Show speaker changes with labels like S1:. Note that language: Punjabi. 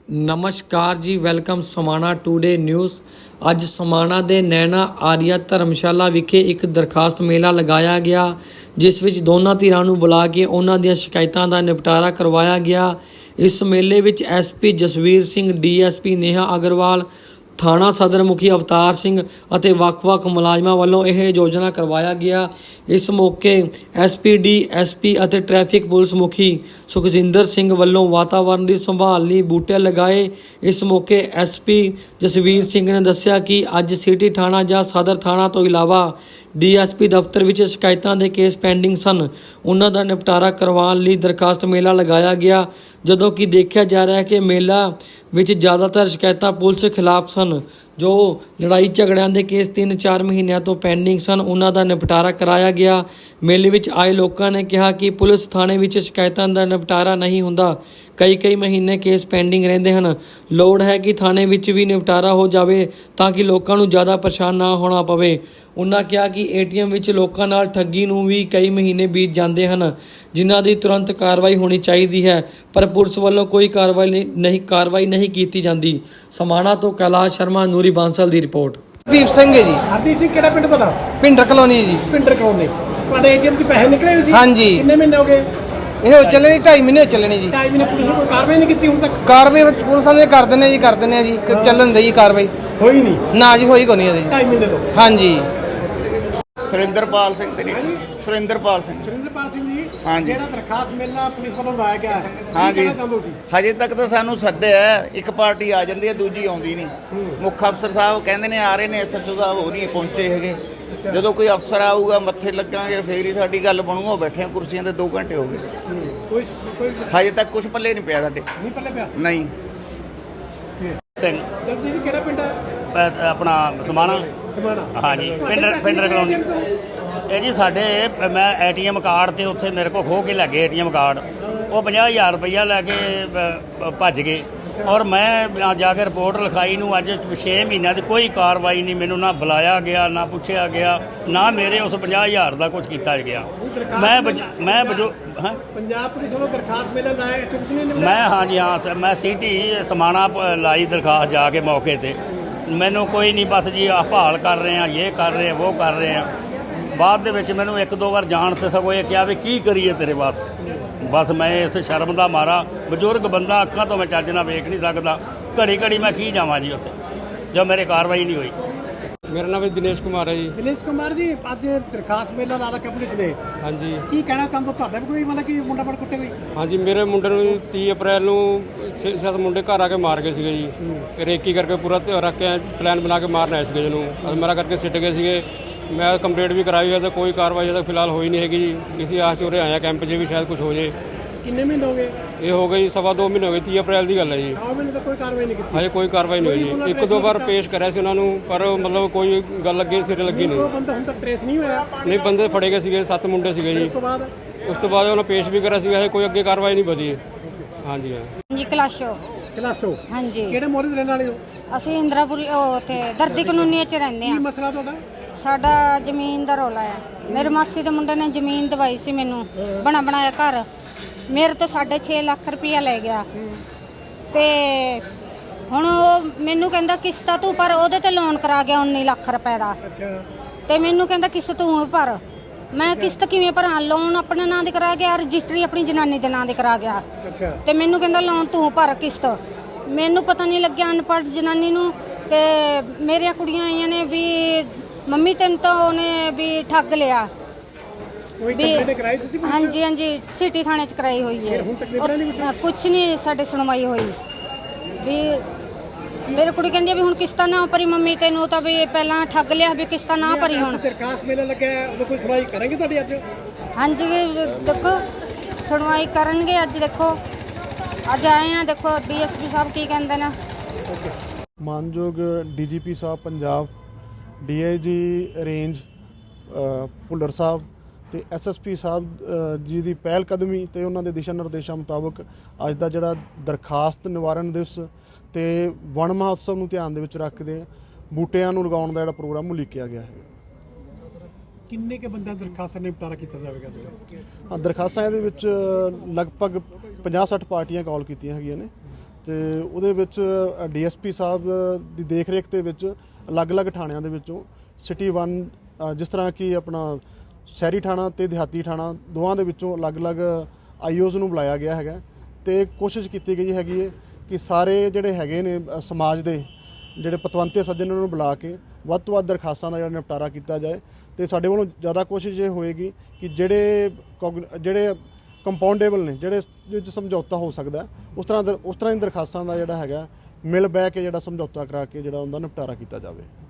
S1: नमस्कार जी, वेलकम समाणा टूडे न्यूज़। ਅੱਜ ਸਮਾਣਾ ਦੇ ਨੈਣਾ ਆਰੀਆ ਧਰਮਸ਼ਾਲਾ ਵਿਖੇ ਇੱਕ ਦਰਖਾਸਤ ਮੇਲਾ ਲਗਾਇਆ ਗਿਆ, ਜਿਸ ਵਿੱਚ ਦੋਨਾਂ ਧਿਰਾਂ ਨੂੰ ਬੁਲਾ ਕੇ ਉਹਨਾਂ ਦੀਆਂ ਸ਼ਿਕਾਇਤਾਂ ਦਾ ਨਿਪਟਾਰਾ ਕਰਵਾਇਆ ਗਿਆ। ਇਸ ਮੇਲੇ ਵਿੱਚ ਐਸਪੀ ਜਸਵੀਰ ਸਿੰਘ, ਡੀਐਸਪੀ ਨੇਹਾ ਅਗਰਵਾਲ, ਥਾਣਾ ਸਦਰ ਮੁਖੀ ਅਵਤਾਰ ਸਿੰਘ ਅਤੇ ਵੱਖ-ਵੱਖ ਮੁਲਾਜ਼ਮਾਂ ਵੱਲੋਂ ਇਹ ਯੋਜਨਾ ਕਰਵਾਇਆ ਗਿਆ। ਇਸ ਮੌਕੇ ਐਸਪੀਡੀ, ਐਸਪੀ ਅਤੇ ਟ੍ਰੈਫਿਕ ਪੁਲਿਸ ਮੁਖੀ ਸੁਖਜਿੰਦਰ ਸਿੰਘ ਵੱਲੋਂ ਵਾਤਾਵਰਣ ਦੀ ਸੰਭਾਲ ਲਈ ਬੂਟੇ ਲਗਾਏ। ਇਸ ਮੌਕੇ ਐਸਪੀ ਜਸਵੀਰ ਸਿੰਘ ਨੇ ਦੱਸਿਆ ਕਿ ਅੱਜ ਸਿਟੀ ਥਾਣਾ ਜਾਂ ਸਦਰ ਥਾਣਾ ਤੋਂ ਇਲਾਵਾ ਡੀਐਸਪੀ ਦਫ਼ਤਰ ਵਿੱਚ ਸ਼ਿਕਾਇਤਾਂ ਦੇ ਕੇਸ ਪੈਂਡਿੰਗ ਸਨ, ਉਹਨਾਂ ਦਾ ਨਿਪਟਾਰਾ ਕਰਵਾਉਣ ਲਈ ਦਰਖਾਸਤ ਮੇਲਾ ਲਗਾਇਆ ਗਿਆ। ਜਦੋਂ ਕਿ ਦੇਖਿਆ ਜਾ ਰਿਹਾ ਹੈ ਕਿ ਮੇਲਾ ਵਿੱਚ ਜ਼ਿਆਦਾਤਰ ਸ਼ਿਕਾਇਤਾਂ ਪੁਲਿਸ ਖਿਲਾਫ ਸਨ। ਜੋ ਲੜਾਈ ਝਗੜਿਆਂ ਦੇ ਕੇਸ 3-4 ਮਹੀਨਿਆਂ ਤੋਂ ਪੈਂਡਿੰਗ ਸਨ, ਉਹਨਾਂ ਦਾ ਨਿਪਟਾਰਾ ਕਰਾਇਆ ਗਿਆ। ਮੇਲੇ ਵਿੱਚ ਆਏ ਲੋਕਾਂ ਨੇ ਕਿਹਾ ਕਿ ਪੁਲਿਸ ਥਾਣੇ ਵਿੱਚ ਸ਼ਿਕਾਇਤਾਂ ਦਾ ਨਿਪਟਾਰਾ ਨਹੀਂ ਹੁੰਦਾ, ਕਈ ਮਹੀਨੇ ਕੇਸ ਪੈਂਡਿੰਗ ਰਹਿੰਦੇ ਹਨ। ਲੋੜ ਹੈ ਕਿ ਥਾਣੇ ਵਿੱਚ ਵੀ ਨਿਪਟਾਰਾ ਹੋ ਜਾਵੇ ਤਾਂ ਕਿ ਲੋਕਾਂ ਨੂੰ ਜ਼ਿਆਦਾ ਪਰੇਸ਼ਾਨ ਨਾ ਹੋਣਾ ਪਵੇ। ਉਹਨਾਂ ਕਿਹਾ ਕਿ ਏਟੀਐਮ ਵਿੱਚ ਲੋਕਾਂ ਨਾਲ ਠੱਗੀ ਨੂੰ ਵੀ ਕਈ ਮਹੀਨੇ ਬੀਤ ਜਾਂਦੇ ਹਨ, ਜਿਨ੍ਹਾਂ ਦੀ ਤੁਰੰਤ ਕਾਰਵਾਈ ਹੋਣੀ ਚਾਹੀਦੀ ਹੈ, ਪਰ ਪੁਲਿਸ ਵੱਲੋਂ ਕੋਈ ਕਾਰਵਾਈ ਨਹੀਂ ਕੀਤੀ ਜਾਂਦੀ। ਸਮਾਣਾ ਤੋਂ ਕੈਲਾਸ਼ ਸ਼ਰਮਾ, ਨੂਰੀ ਬਾਂਸਲ ਦੀ ਰਿਪੋर्ट।
S2: ਹਰਦੀਪ ਸਿੰਘ ਹੈ ਜੀ।
S3: ਹਰਦੀਪ ਸਿੰਘ ਕਿਹੜਾ ਪਿੰਡ ਤੁਹਾਡਾ?
S2: ਪਿੰਡਰ ਕਲੋਨੀ ਜੀ।
S3: ਪਿੰਡਰ ਕਲੋਨੀ। ਤੁਹਾਡੇ ਏਟੀਐਮ 'ਚ ਪੈਸੇ ਨਿਕਲੇ ਹੋਏ ਸੀ?
S2: ਹਾਂਜੀ।
S3: ਕਿੰਨੇ ਮਹੀਨੇ ਹੋ ਗਏ?
S2: ਇਹ ਹੋ ਚੱਲੇ ਜੀ 2.5 ਮਹੀਨੇ ਚੱਲੇ ਨੇ ਜੀ।
S3: 2.5 ਮਹੀਨੇ ਪੁਲਿਸ ਨੇ ਕੋਈ ਕਾਰਵਾਈ ਨਹੀਂ ਕੀਤੀ ਹੁਣ ਤੱਕ?
S2: ਕਾਰਵਾਈ ਪੁਲਿਸ ਵਾਲੇ ਕਰ ਦਿੰਦੇ ਜੀ ਚੱਲਣ ਦੇ ਜੀ ਕਾਰਵਾਈ।
S3: ਹੋਈ ਨਹੀਂ?
S2: ਨਾ ਜੀ ਹੋਈ ਕੋਈ ਨਹੀਂ ਜੀ।
S3: 2.5 ਮਹੀਨੇ ਤੋਂ?
S2: ਹਾਂਜੀ।
S4: ਸੁਰਿੰਦਰਪਾਲ ਸਿੰਘ ਤੇ ਸੁਰਿੰਦਰਪਾਲ ਸਿੰਘ
S3: ਜੀ।
S4: ਹਾਂਜੀ।
S3: ਜਿਹੜਾ ਦਰਖਾਸਤ ਮੇਲਾ ਪੁਲਿਸ ਵੱਲੋਂ ਲਾਇਆ ਗਿਆ ਹੈ,
S4: ਹਾਂਜੀ,
S3: ਸੀ?
S4: ਹਜੇ ਤੱਕ ਤਾਂ ਸਾਨੂੰ ਸੱਦਿਆ ਇੱਕ ਪਾਰਟੀ ਆ ਜਾਂਦੀ ਹੈ, ਦੂਜੀ ਆਉਂਦੀ ਨਹੀਂ। ਮੁੱਖ ਅਫਸਰ ਸਾਹਿਬ ਕਹਿੰਦੇ ਨੇ ਆ ਰਹੇ ਨੇ, ਐਸਐਚਓ ਸਾਹਿਬ ਹੋ ਨਹੀਂ ਪਹੁੰਚੇ ਹੈਗੇ। ਜਦੋਂ ਕੋਈ ਅਫਸਰ ਆਊਗਾ ਮੱਥੇ ਲੱਗਾਂਗੇ ਫੇਰ ਹੀ ਸਾਡੀ ਗੱਲ ਬਣੂਗਾ। ਬੈਠੇ ਕੁਰਸੀਆਂ ਤੇ 2 ਘੰਟੇ ਹੋ ਗਏ, ਹਜੇ ਤੱਕ ਕੁਝ ਪੱਲੇ ਨਹੀਂ ਪਿਆ ਸਾਡੇ।
S3: ਨਹੀਂ ਪੱਲੇ ਪਿਆ?
S4: ਨਹੀਂ।
S5: ਸਿੰਘ
S3: ਜੀ ਕਿਹੜਾ ਪਿੰਡ ਹੈ?
S5: ਆਪਣਾ ਸਮਾਣਾ। ਹਾਂਜੀ, ਪਿੰਡਰ ਕਲੋਨੀ। ਇਹ ਜੀ ਸਾਡੇ ਮੈਂ ਏਟੀਐਮ ਕਾਰਡ ਤੇ ਉੱਥੇ ਮੇਰੇ ਕੋਲ ਖੋਹ ਕੇ ਲੈ ਗਏ ਏਟੀਐਮ ਕਾਰਡ। ਉਹ 50,000 ਰੁਪਈਆ ਲੈ ਕੇ ਭੱਜ ਗਏ ਔਰ ਮੈਂ ਜਾ ਕੇ ਰਿਪੋਰਟ ਲਿਖਾਈ ਨੂੰ ਅੱਜ 6 ਮਹੀਨਿਆਂ ਦੀ ਕੋਈ ਕਾਰਵਾਈ ਨਹੀਂ। ਮੈਨੂੰ ਨਾ ਬੁਲਾਇਆ ਗਿਆ, ਨਾ ਪੁੱਛਿਆ ਗਿਆ, ਨਾ ਮੇਰੇ ਉਸ 50,000 ਦਾ ਕੁਝ ਕੀਤਾ ਗਿਆ। ਮੈਂ
S3: ਪੰਜਾਬ ਪੁਲਿਸ ਵੱਲੋਂ ਦਰਖਾਸਤ ਮੇਲਾ ਲਾਇਆ?
S5: ਹਾਂ, ਮੈਂ ਸਿਟੀ ਸਮਾਣਾ ਲਾਈ ਦਰਖਾਸਤ ਜਾ ਕੇ ਮੌਕੇ ਤੇ। ਮੈਨੂੰ ਕੋਈ ਨਹੀਂ, ਬਸ ਜੀ ਆਹ ਭਾਲ ਕਰ ਰਹੇ ਆ, ਇਹ ਕਰ ਰਹੇ ਆ, ਉਹ ਕਰ ਰਹੇ ਆ। ਬਾਅਦ ਦੇ ਵਿੱਚ ਮੈਨੂੰ 1-2 ਵਾਰ ਜਾਣ ਤੇ ਸਗੋਂ ਇਹ ਕਿਹਾ ਵੀ ਕੀ ਕਰੀਏ ਤੇਰੇ ਵਾਸਤੇ। ਬਸ ਮੈਂ ਇਸ ਸ਼ਰਮ ਦਾ ਮਾਰਾ, ਬਜ਼ੁਰਗ ਬੰਦਾ, ਅੱਖਾਂ ਤੋਂ ਮੈਂ ਚੱਜ ਨਾਲ ਵੇਖ ਨਹੀਂ ਸਕਦਾ, ਘੜੀ ਮੈਂ ਕੀ ਜਾਵਾਂ ਜੀ ਉੱਥੇ ਜੋ ਮੇਰੇ ਕਾਰਵਾਈ ਨਹੀਂ ਹੋਈ।
S6: ਮੇਰਾ ਨਾਮ ਹੈ ਦਿਨੇਸ਼ ਕੁਮਾਰ ਹੈ ਜੀ।
S3: ਦਿਨੇਸ਼ ਕੁਮਾਰ ਜੀ, ਅੱਜ ਦਰਖਾਸਤ ਮੇਲਾ ਲਾ ਰੱਖਿਆ ਪੁਲਿਸ ਨੇ। ਹਾਂਜੀ। ਕੀ ਕਹਿਣਾ ਚਾਹੁੰਦੇ? ਤੁਹਾਡਾ ਵੀ ਕੋਈ ਮਤਲਬ ਕਿ ਮੁੰਡਾ ਬੜ ਕੁੱਟੇ ਕੋਈ? ਹਾਂਜੀ,
S6: ਮੇਰੇ ਮੁੰਡੇ ਨੂੰ 30 ਅਪ੍ਰੈਲ ਨੂੰ 6-7 ਮੁੰਡੇ ਘਰ ਆ ਕੇ ਮਾਰ ਗਏ ਸੀਗੇ ਜੀ। ਰੇਕੀ ਕਰਕੇ ਪੂਰਾ ਰੱਖ ਕੇ ਪਲਾਨ ਬਣਾ ਕੇ ਮਾਰਨ ਆਏ ਸੀਗੇ ਜਿਹਨੂੰ ਮੇਰਾ ਕਰਕੇ ਸਿੱਟ ਗਏ ਸੀਗੇ। ਮੈਂ ਕੰਪਲੇਂਟ ਵੀ ਕਰਾਈ ਹੈ ਤਾਂ ਕੋਈ ਕਾਰਵਾਈ ਅਜੇ ਤੱਕ ਫਿਲਹਾਲ ਹੋਈ ਨਹੀਂ ਹੈਗੀ ਜੀ। ਕਿਸੇ ਆਸ 'ਚ ਉਰੇ ਆਇਆ ਕੈਂਪ 'ਚ ਵੀ ਸ਼ਾਇਦ ਕੁਝ ਹੋ ਜੇ।
S3: ਕਿੰਨੇ ਮਹੀਨੇ ਹੋ ਗਏ?
S6: ਇਹ ਹੋ ਗਈ 2.5 ਮਹੀਨੇ ਹੋ ਗਏ। 30 ਅਪ੍ਰੈਲ ਦੀ ਗੱਲ ਹੈ ਜੀ।
S3: 2 ਮਹੀਨੇ ਤੱਕ ਕੋਈ ਕਾਰਵਾਈ ਨਹੀਂ ਕੀਤੀ?
S6: ਹਜੇ ਕੋਈ ਕਾਰਵਾਈ ਨਹੀਂ ਹੋਈ ਜੀ। 1-2 ਵਾਰ ਪੇਸ਼ ਕਰਿਆ ਸੀ ਉਹਨਾਂ ਨੂੰ, ਪਰ ਮਤਲਬ ਕੋਈ ਗੱਲ ਅੱਗੇ ਸਿਰੇ ਲੱਗੀ ਨਹੀਂ।
S3: ਉਹ ਬੰਦਾ ਹੁਣ ਤੱਕ ਟ੍ਰੇਸ ਨਹੀਂ ਹੋਇਆ?
S6: ਨਹੀਂ, ਬੰਦੇ ਫੜੇ ਗਏ ਸੀਗੇ, 7 ਮੁੰਡੇ ਸੀਗੇ ਜੀ। ਉਸ ਤੋਂ ਬਾਅਦ ਉਹਨਾਂ ਪੇਸ਼ ਵੀ ਕਰਿਆ ਸੀਗਾ, ਕੋਈ ਅੱਗੇ ਕਾਰਵਾਈ ਨਹੀਂ ਵਧੀ। ਹਾਂਜੀ
S7: ਜੀ। ਕਲਾਸ਼ੋ। ਹਾਂਜੀ।
S3: ਕਿਹੜੇ ਮੋਹਰੇ ਦੇ ਰਹਿਣ ਵਾਲੇ ਹੋ?
S7: ਅਸੀਂ ਇੰਦਰਾਪੁਰੀ ਉੱਥੇ ਦਰਦੀ ਕਲੋਨੀ 'ਚ ਰਹਿੰਦੇ
S3: ਕੀ
S7: ਆ।
S3: ਮਸਲਾ ਤੁਹਾਡਾ?
S7: ਸਾਡਾ ਜ਼ਮੀਨ ਦਾ ਰੌਲਾ ਆ। ਮੇਰੇ ਮਾਸੀ ਦੇ ਮੁੰਡੇ ਨੇ ਜ਼ਮੀਨ ਦਵਾਈ ਸੀ ਮੈਨੂੰ, ਬਣਾਇਆ ਘਰ। ਮੇਰੇ ਤੋਂ 6.5 ਲੱਖ ਰੁਪਇਆ ਲੈ ਗਿਆ ਤੇ ਹੁਣ ਉਹ ਮੈਨੂੰ ਕਹਿੰਦਾ ਕਿਸ਼ਤਾਂ ਤੂੰ ਪਰ, ਉਹਦੇ ਤੇ ਲੋਨ ਕਰਾ ਗਿਆ 19 ਲੱਖ ਰੁਪਏ ਦਾ। ਤੇ ਮੈਨੂੰ ਕਹਿੰਦਾ ਕਿਸ਼ਤ ਤੂੰ ਭਰ। ਮੈਂ ਕਿਸ਼ਤ ਕਿਵੇਂ ਭਰਾਂ? ਲੋਨ ਆਪਣੇ ਨਾਂ ਦੇ ਕਰਾ ਗਿਆ, ਰਜਿਸਟਰੀ ਆਪਣੀ ਜਨਾਨੀ ਦੇ ਨਾਂ ਦੇ ਕਰਾ ਗਿਆ। ਤੇ ਮੈਨੂੰ ਕਹਿੰਦਾ ਲੋਨ ਤੂੰ ਭਰ ਕਿਸ਼ਤ। ਮੈਨੂੰ ਪਤਾ ਨਹੀਂ ਲੱਗਿਆ, ਅਨਪੜ੍ਹ ਜਨਾਨੀ ਨੂੰ। ਤੇ ਮੇਰੀਆਂ ਕੁੜੀਆਂ ਆਈਆਂ ਨੇ ਵੀ ਮੰਮੀ ਤੈਨੂੰ ਤਾਂ ਉਹਨੇ ਵੀ ਠੱਗ ਲਿਆ। ਹਾਂਜੀ, ਸਿਟੀ ਥਾਣੇ 'ਚ ਕਰਾਈ ਹੋਈ ਹੈ। ਕੁਛ ਨਹੀਂ ਸਾਡੇ ਸੁਣਵਾਈ ਹੋਈ ਵੀ। ਮੇਰੀ ਕੁੜੀ ਕਹਿੰਦੀ ਵੀ ਹੁਣ ਕਿਸ਼ਤਾਂ ਨਾ ਭਰੀ ਮੰਮੀ, ਤੈਨੂੰ ਤਾਂ ਵੀ ਪਹਿਲਾਂ ਠੱਗ ਲਿਆ ਵੀ ਕਿਸ਼ਤਾਂ ਨਾ ਭਰੀ। ਹੁਣ
S3: ਦਰਖਾਸਤ ਮੇਲਾ ਲੱਗਿਆ, ਉਹਦੇ ਕੋਈ ਸੁਣਵਾਈ ਕਰਾਂਗੇ ਤੁਹਾਡੀ ਅੱਜ?
S7: ਹਾਂਜੀ, ਦੇਖੋ ਸੁਣਵਾਈ ਕਰਨਗੇ ਅੱਜ। ਦੇਖੋ ਅੱਜ ਆਏ ਆ, ਦੇਖੋ ਡੀਐਸਪੀ ਸਾਹਿਬ ਕੀ ਕਹਿੰਦੇ ਨੇ।
S8: ਮਾਨਯੋਗ ਡੀਜੀਪੀ ਸਾਹਿਬ ਪੰਜਾਬ, ਡੀਆਈਜੀ ਰੇਂਜ ਭੁੱਲਰ ਸਾਹਿਬ ਤੇ ਐਸਐਸਪੀ ਸਾਹਿਬ ਜੀ ਦੀ ਪਹਿਲ ਕਦਮੀ ਤੇ ਉਹਨਾਂ ਦੇ ਦਿਸ਼ਾ ਨਿਰਦੇਸ਼ਾਂ ਮੁਤਾਬਕ ਅੱਜ ਦਾ ਜਿਹੜਾ ਦਰਖਾਸਤ ਨਿਵਾਰਨ ਦਿਵਸ ਤੇ ਵਣ ਮਹੋਤਸਵ ਨੂੰ ਧਿਆਨ ਦੇ ਵਿੱਚ ਰੱਖਦੇ ਬੂਟਿਆਂ ਨੂੰ ਲਗਾਉਣ ਦਾ ਜਿਹੜਾ ਪ੍ਰੋਗਰਾਮ ਉਲੀਕਿਆ ਗਿਆ ਹੈ।
S3: ਕਿੰਨੇ ਕੇ ਬੰਦਾ ਦਰਖਾਸਤਾਂ ਨਿਪਟਾਰਾ ਕੀਤਾ ਜਾਵੇਗਾ?
S8: ਦਰਖਾਸਤਾਂ ਇਹਦੇ ਵਿੱਚ ਲਗਭਗ 50-60 ਪਾਰਟੀਆਂ ਕਾਲ ਕੀਤੀਆਂ ਹੈਗੀਆਂ ਨੇ ਤੇ ਉਹਦੇ ਵਿੱਚ ਡੀਐਸਪੀ ਸਾਹਿਬ ਦੀ ਦੇਖ ਰੇਖ ਦੇ ਵਿੱਚ ਅਲੱਗ-ਅਲੱਗ ਥਾਣਿਆਂ ਦੇ ਵਿੱਚੋਂ ਸਿਟੀ 1 ਜਿਸ ਤਰ੍ਹਾਂ ਕਿ ਆਪਣਾ ਸ਼ਹਿਰੀ ਥਾਣਾ ਤੇ ਦਿਹਾਤੀ ਥਾਣਾ ਦੋਵਾਂ ਦੇ ਵਿੱਚੋਂ ਅਲੱਗ-ਅਲੱਗ ਆਈਓਜ਼ ਨੂੰ ਬੁਲਾਇਆ ਗਿਆ ਹੈਗਾ ਤੇ ਕੋਸ਼ਿਸ਼ ਕੀਤੀ ਗਈ ਹੈਗੀ ਹੈ ਕਿ ਸਾਰੇ ਜਿਹੜੇ ਹੈਗੇ ਨੇ ਸਮਾਜ ਦੇ ਜਿਹੜੇ ਪਤਵੰਤੇ ਸੱਜਣ ਨੂੰ ਬੁਲਾ ਕੇ ਵੱਧ ਤੋਂ ਵੱਧ ਦਰਖਾਸਤਾਂ ਦਾ ਜਿਹੜਾ ਨਿਪਟਾਰਾ ਕੀਤਾ ਜਾਏ ਤੇ ਸਾਡੇ ਵੱਲੋਂ ਜ਼ਿਆਦਾ ਕੋਸ਼ਿਸ਼ ਇਹ ਹੋਏਗੀ ਕਿ ਜਿਹੜੇ ਕੰਪਾਊਂਡੇਬਲ ਨੇ ਜਿਹੜੇ ਵਿੱਚ ਸਮਝੌਤਾ ਹੋ ਸਕਦਾ ਉਸ ਤਰ੍ਹਾਂ ਦੀ ਦਰਖਾਸਤਾਂ ਦਾ ਜਿਹੜਾ ਹੈਗਾ ਮਿਲ ਬਹਿ ਕੇ ਜਿਹੜਾ ਸਮਝੌਤਾ ਕਰਾ ਕੇ ਜਿਹੜਾ ਉਹਦਾ ਨਿਪਟਾਰਾ ਕੀਤਾ ਜਾਵੇ।